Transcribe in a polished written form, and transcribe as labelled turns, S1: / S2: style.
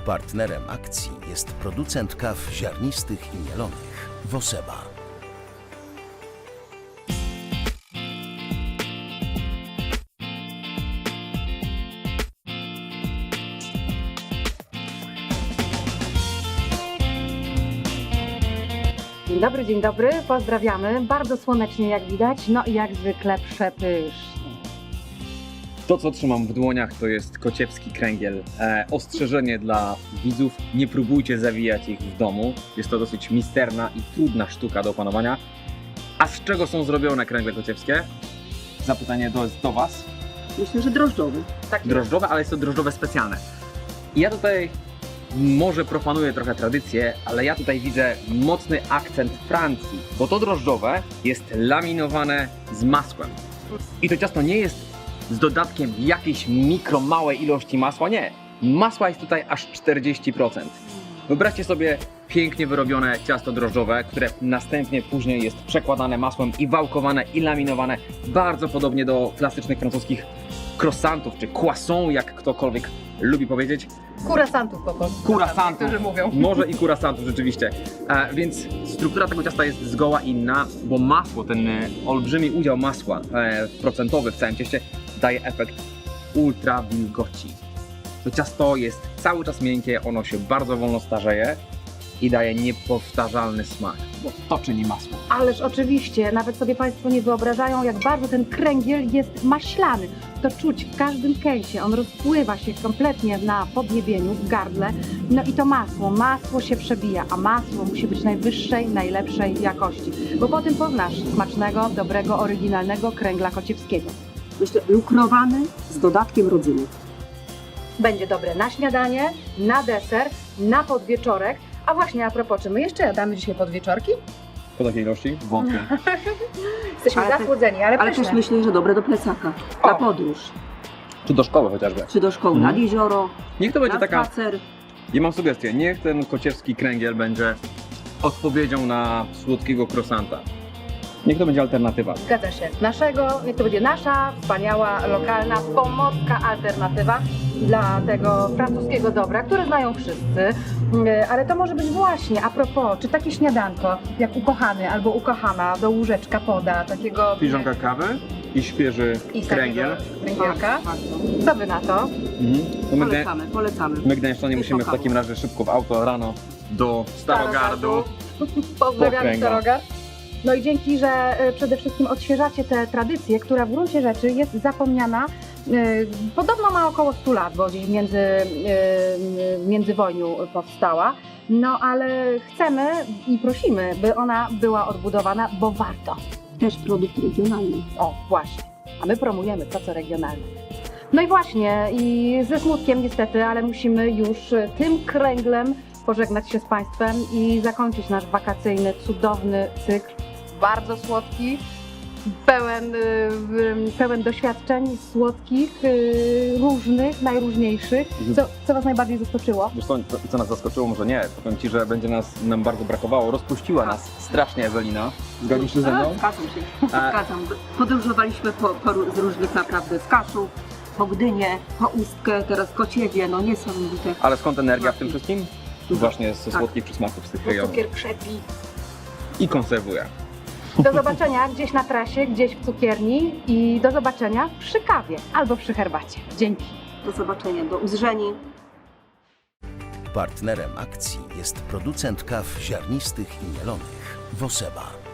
S1: Partnerem akcji jest producent kaw ziarnistych i mielonych Woseba.
S2: Dzień dobry, pozdrawiamy. Bardzo słonecznie jak widać, no i jak zwykle przepysznie.
S3: To, co trzymam w dłoniach, to jest kociewski kręgiel. Ostrzeżenie dla widzów, nie próbujcie zawijać ich w domu. Jest to dosyć misterna i trudna sztuka do opanowania. A z czego są zrobione kręgle kociewskie? Zapytanie do Was.
S4: Myślę, że drożdżowy.
S2: Tak,
S3: Drożdżowe, ale jest to drożdżowe specjalne. I ja tutaj może proponuję trochę tradycję, ale ja tutaj widzę mocny akcent Francji, bo to drożdżowe jest laminowane z masłem. I to ciasto nie jest z dodatkiem jakiejś małej ilości masła, nie. Masła jest tutaj aż 40%. Wyobraźcie sobie pięknie wyrobione ciasto drożdżowe, które następnie później jest przekładane masłem i wałkowane i laminowane bardzo podobnie do klasycznych francuskich croissantów czy croissants, jak ktokolwiek lubi powiedzieć.
S2: Kurasantów po prostu.
S3: Kurasantów.
S2: Którzy mówią.
S3: Może i kurasantów rzeczywiście. Więc struktura tego ciasta jest zgoła inna, bo masło, ten olbrzymi udział masła procentowy w całym cieście daje efekt ultra wilgoci. To ciasto jest cały czas miękkie, ono się bardzo wolno starzeje i daje niepowtarzalny smak, bo to czyni masło.
S2: Ależ oczywiście, nawet sobie Państwo nie wyobrażają, jak bardzo ten kręgiel jest maślany. To czuć w każdym kęsie, on rozpływa się kompletnie na podniebieniu, w gardle. No i to masło się przebija, a masło musi być najwyższej, najlepszej jakości. Bo po tym poznasz smacznego, dobrego, oryginalnego kręgla kociewskiego.
S4: Myślę, lukrowany z dodatkiem rodzyny.
S2: Będzie dobre na śniadanie, na deser, na podwieczorek. A właśnie a propos, czy my jeszcze jadamy dzisiaj podwieczorki?
S3: Po takiej ilości? Wątpię.
S2: Jesteśmy
S4: Ale
S2: zasłodzeni, ale
S4: Ale
S2: pyszne.
S4: też myślę, że dobre do plecaka. Na podróż,
S3: Czy do szkoły chociażby.
S4: czy do szkoły, nad jezioro,
S3: Niech to będzie
S4: na
S3: taka...
S4: spacer.
S3: Ja mam sugestię, niech ten kociewski kręgiel będzie odpowiedzią na słodkiego croissanta. Niech to będzie alternatywa.
S2: Zgadza się. Niech to będzie nasza wspaniała, lokalna, pomorska alternatywa dla tego francuskiego dobra, które znają wszyscy. Ale to może być właśnie, a propos, czy takie śniadanko, jak ukochany albo ukochana do łóżeczka poda, takiego...
S3: Filiżanka kawy i świeży
S2: i
S3: kręgiel.
S2: kręgielka.
S3: Tak.
S2: Co wy na to?
S3: To
S4: Polecamy.
S3: my Gdańszczanie musimy w
S4: Kochamy.
S3: takim razie szybko w auto rano do Starogardu.
S2: Pozdrawiamy
S3: kręgla.
S2: Starogard. No i dzięki, że przede wszystkim odświeżacie tę tradycję, która w gruncie rzeczy jest zapomniana. Podobno ma około 100 lat, bo gdzieś w międzywojniu powstała. No ale chcemy i prosimy, by ona była odbudowana, bo warto.
S4: Też produkt regionalny.
S2: O, właśnie. A my promujemy to, co regionalne. No i właśnie, i ze smutkiem niestety, ale musimy już tym kręglem pożegnać się z Państwem i zakończyć nasz wakacyjny, cudowny cykl. Bardzo słodki, pełen doświadczeń słodkich, różnych, najróżniejszych. Co Was najbardziej zaskoczyło?
S3: Wiesz co nas zaskoczyło? Może nie. Powiem Ci, że będzie nam bardzo brakowało. Rozpuściła nas strasznie Ewelina. Zgodzisz się ze mną?
S4: Zgadzam się. Zgadzam. Podróżowaliśmy z różnych naprawdę, z Kaszub, po Gdynię, po Ustkę, teraz Kociewie, no niesamowite.
S3: Ale skąd energia w tym wszystkim? Właśnie ze
S4: Tak.
S3: słodkich przysmaków z tych
S2: Bo
S3: rejonów.
S2: cukier krzepi.
S3: I konserwuje.
S2: Do zobaczenia gdzieś na trasie, gdzieś w cukierni i do zobaczenia przy kawie albo przy herbacie. Dzięki.
S4: Do zobaczenia, do uzrzeni.
S1: Partnerem akcji jest producent kaw ziarnistych i mielonych Woseba.